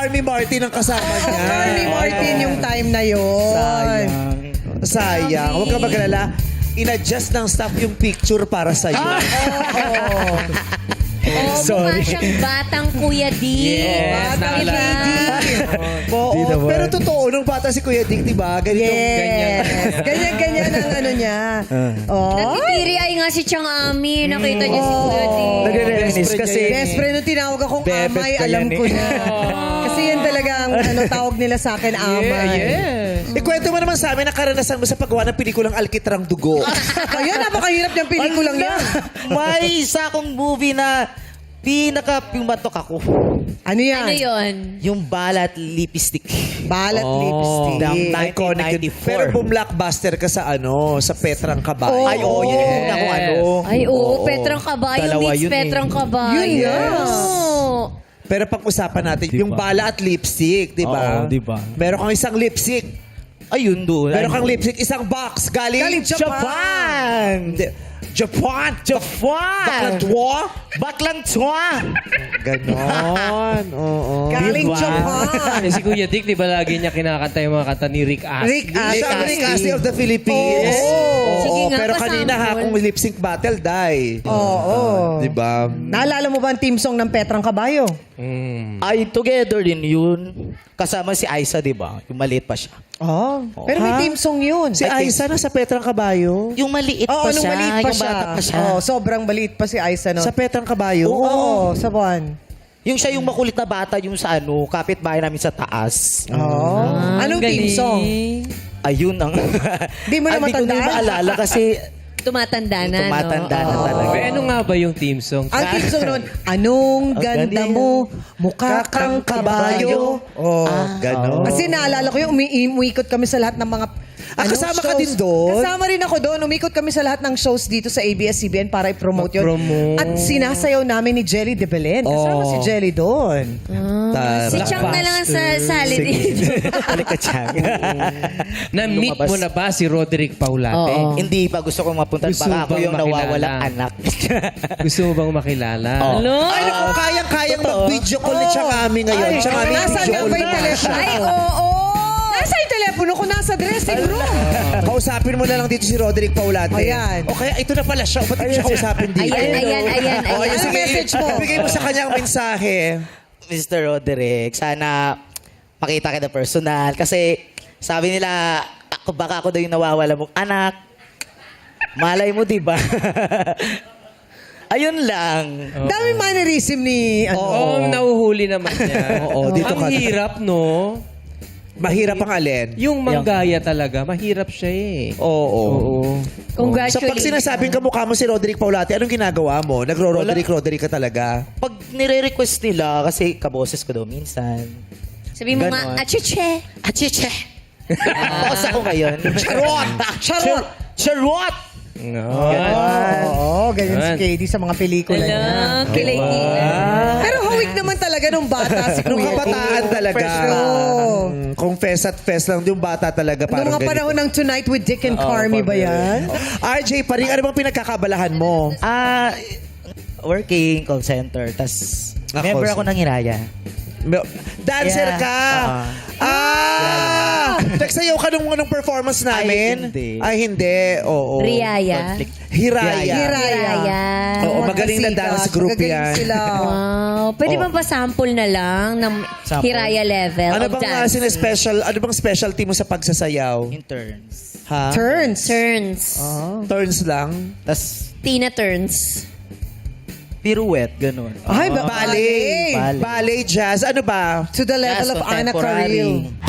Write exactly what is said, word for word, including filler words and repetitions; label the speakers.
Speaker 1: Carmi Martin ang kasama niya.
Speaker 2: Carmi Martin yung time na yun.
Speaker 3: Sayang.
Speaker 1: Sayang. Huwag ka magalala. In-adjust ng staff yung picture para sa'yo.
Speaker 2: Oo.
Speaker 4: Oh,
Speaker 1: Sorry.
Speaker 4: mukha siyang batang Kuya D.
Speaker 2: Yes,
Speaker 4: Batang
Speaker 2: naalala.
Speaker 4: diba?
Speaker 1: Oo,
Speaker 3: Di naman.
Speaker 1: pero totoo, nung bata si Kuya Dick, di ba? Ganito.
Speaker 2: Yes. Ganyan-ganyan ang ano niya. Oh.
Speaker 4: Nagtitiri ay nga si Chang Ami. Nakita niya si Kuya D.
Speaker 3: Nagre-reminis kasi...
Speaker 2: Best friend nung tinawag akong
Speaker 3: Bebet
Speaker 2: amay,
Speaker 3: ka
Speaker 2: alam
Speaker 3: yan
Speaker 2: ko
Speaker 3: eh.
Speaker 2: na. Kasi yan talaga ang ano, tawag nila sa akin, amay.
Speaker 1: Ikwento mo naman sa amin ang karanasan mo sa paggawa ng pelikulang Alkitrang Dugo.
Speaker 2: Kaya napakahirap niyang pelikulang yan.
Speaker 3: May isa akong movie na pinaka-pumatok ako.
Speaker 2: Ano yan?
Speaker 4: Ano yun?
Speaker 3: Yung Balat Lipstick.
Speaker 2: Balat lipstick.
Speaker 3: Ng
Speaker 1: Iconic yun.
Speaker 3: nineteen ninety-four.
Speaker 1: Pero bumlockbuster ka sa ano, sa Petrang Kabayo.
Speaker 2: Oh.
Speaker 3: Ay, oo, yun yung una kong ano.
Speaker 4: Ay, oo. Petrang Kabayo
Speaker 3: Dalawa
Speaker 4: meets
Speaker 3: yun eh.
Speaker 4: Petrang Kabayo.
Speaker 2: Yun nga.
Speaker 4: Oo.
Speaker 1: Pero pag-usapan natin, yung bala at lipstick, di ba?
Speaker 3: Oo, di ba?
Speaker 1: Meron kang isang lipstick.
Speaker 3: Ayun doon.
Speaker 1: Meron kang lipstick, isang box. Galing,
Speaker 2: Galing Japan.
Speaker 1: Japan. Di- Japan.
Speaker 3: Japan!
Speaker 1: Baklang twa.
Speaker 3: Baklang twa!
Speaker 1: Ganon. Oo.
Speaker 2: Galing
Speaker 3: Diba?
Speaker 2: Japan.
Speaker 5: Eh, si Kuya Dick, di ba lagi niya kinakanta yung mga kanta ni Rick Astley?
Speaker 2: Rick Astley.
Speaker 1: Siya ang Rick Astley of the Philippines.
Speaker 2: Oo.
Speaker 4: Sige nga,
Speaker 1: pero kanina ha,
Speaker 4: pasample.
Speaker 1: kung lip sync battle, die.
Speaker 2: Oo.
Speaker 1: Di ba?
Speaker 2: Naalala mo ba ang team song ng Petrang Kabayo?
Speaker 5: Mm.
Speaker 3: Ay, together din yun. Kasama si Aiza, di ba? Yung maliit pa siya.
Speaker 2: Oh. Pero may
Speaker 1: Ha?
Speaker 2: team song yun.
Speaker 1: Si Aiza na sa Petrang Kabayo.
Speaker 3: Yung maliit
Speaker 2: Oo,
Speaker 3: pa
Speaker 2: nung
Speaker 3: siya.
Speaker 2: maliit pa
Speaker 3: yung
Speaker 2: siya.
Speaker 3: bata pa siya.
Speaker 2: Oo, sobrang maliit pa si Aiza nun.
Speaker 1: Sa Petrang Kabayo?
Speaker 2: Oo, sa buwan.
Speaker 3: Yung siya yung makulit na bata, yung sa ano, kapitbahay namin sa taas.
Speaker 2: Oo. Anong team song?
Speaker 3: Ayun ang...
Speaker 2: Di mo na
Speaker 3: Hindi ko na
Speaker 2: matandaan?
Speaker 3: maalala kasi
Speaker 4: Tumatanda na,
Speaker 3: tumatanda
Speaker 4: no?
Speaker 3: na
Speaker 4: Oo.
Speaker 3: talaga.
Speaker 5: Eh, ano nga ba yung team song?
Speaker 2: Ang team song nun, anong
Speaker 3: Ang
Speaker 2: ganda
Speaker 3: ganda
Speaker 2: mo, mukha kang kabayo.
Speaker 1: Oh, ganon.
Speaker 2: Kasi naalala ko yung umi- umikot kami sa lahat ng mga
Speaker 1: Ah, kasama ka din doon?
Speaker 2: Kasama rin ako doon. Umikot kami sa lahat ng shows dito sa A B S C B N para i-promote yun.
Speaker 5: Mag-promote.
Speaker 2: At sinasayaw namin ni Jelly de Belen. Kasama
Speaker 1: Oh.
Speaker 2: si Jelly doon.
Speaker 4: Ah, si
Speaker 1: Tara.
Speaker 4: Chang na lang ang sa sali dito.
Speaker 3: Balik ka, Chang.
Speaker 5: Na-meet
Speaker 3: Lumabas.
Speaker 5: mo na ba si Roderick Paulate?
Speaker 4: Oo.
Speaker 3: Hindi pa gusto kong mapunta.
Speaker 5: Gusto
Speaker 3: Baka ako
Speaker 5: bang
Speaker 3: yung nawawalang
Speaker 5: makilala?
Speaker 3: anak.
Speaker 5: Gusto mo bang makilala?
Speaker 3: Oo.
Speaker 4: Ano?
Speaker 1: Ay, naku, kayang-kayang mag-video call ni Changami ngayon.
Speaker 2: Ay,
Speaker 1: Changami,
Speaker 2: nasaan
Speaker 1: video
Speaker 2: nga
Speaker 1: call
Speaker 2: ba yung
Speaker 1: na
Speaker 2: telepono?
Speaker 1: siya.
Speaker 2: Ay, oo. Nasa yung telepono ko? Nasa dressing room.
Speaker 1: Kausapin mo na lang dito si Roderick Paulate.
Speaker 2: Ayan.
Speaker 1: O kaya, ito na pala siya. Ba't hindi siya kausapin dito?
Speaker 4: Ayan, ayan, ayan,
Speaker 1: O,
Speaker 4: ayan.
Speaker 1: sige,
Speaker 2: message mo?
Speaker 1: Bigay mo sa kanyang mensahe.
Speaker 3: Mister Roderick, sana makita kita personal. Kasi sabi nila, ako, baka ako daw yung nawawala mong anak. Malay mo, di ba? Ayun lang.
Speaker 2: Dami mannerism ni... Ano.
Speaker 5: Oo, oh, nauhuli naman niya.
Speaker 1: Oo, dito
Speaker 5: Ang
Speaker 1: ka.
Speaker 5: hirap, no?
Speaker 1: Mahirap ang alin.
Speaker 5: Yung manggaya talaga, mahirap siya eh.
Speaker 1: Oo.
Speaker 5: Oo.
Speaker 1: So,
Speaker 4: Congratulations.
Speaker 1: pag sinasabing kamukha mo si Roderick Paulate, anong ginagawa mo? Nagro-Roderick, Roderick ka talaga?
Speaker 3: Pag nire-request nila, kasi kaboses ko daw minsan.
Speaker 4: Sabi mo
Speaker 3: Ganon.
Speaker 4: nga, achuche.
Speaker 3: Achiche! Boss ako ngayon. Charot! Charot! Charot!
Speaker 5: No.
Speaker 2: Oo, ganyan si
Speaker 5: Yan.
Speaker 2: K D sa mga pelikula niya.
Speaker 4: Alam, kilay nila.
Speaker 2: Pero hawig naman talaga nung bata si
Speaker 1: Nung
Speaker 2: Kuya.
Speaker 1: kabataan talaga.
Speaker 2: Fresh Oo.
Speaker 1: Mm, Kung fest at fest lang, yung bata talaga parang
Speaker 2: Nung mga panahon ng Tonight with Dick and Carmi ba yan?
Speaker 1: R J, paring ano bang pinagkakabalahan mo?
Speaker 3: Ah, working call center. Tapos,
Speaker 1: Ah,
Speaker 3: member
Speaker 1: call
Speaker 3: ako ng Hiraya.
Speaker 1: Dancer
Speaker 3: Yeah.
Speaker 1: ka!
Speaker 3: Uh-huh.
Speaker 1: Ah! Nagsayaw ka nung, nung performance namin?
Speaker 3: Ay, hindi.
Speaker 1: Ay, hindi. Oo.
Speaker 4: Riaya.
Speaker 3: Conflict.
Speaker 1: Hiraya.
Speaker 2: Hiraya.
Speaker 4: Hiraya.
Speaker 1: Oo, magaling na
Speaker 2: Magkasikat,
Speaker 1: dance group
Speaker 2: magagaling
Speaker 1: yan.
Speaker 2: Sila.
Speaker 4: Wow. Pwede
Speaker 1: Oh.
Speaker 4: bang pa-sample na lang ng
Speaker 3: Sample.
Speaker 4: Hiraya level
Speaker 1: Ano
Speaker 4: of
Speaker 1: bang uh,
Speaker 4: dance?
Speaker 1: sine-special, ano bang specialty mo sa pagsasayaw?
Speaker 3: Interns.
Speaker 1: Ha?
Speaker 2: Turns.
Speaker 4: Turns.
Speaker 1: Turns lang?
Speaker 3: Tapos,
Speaker 4: Tina turns.
Speaker 3: pirouette, ganun.
Speaker 2: Ay, ba-
Speaker 1: Ballet.
Speaker 3: Ballet.
Speaker 1: Ballet, jazz. Ano ba?
Speaker 2: To the level
Speaker 3: Jazz,
Speaker 2: of Anna
Speaker 3: contemporary.
Speaker 2: Carrillo.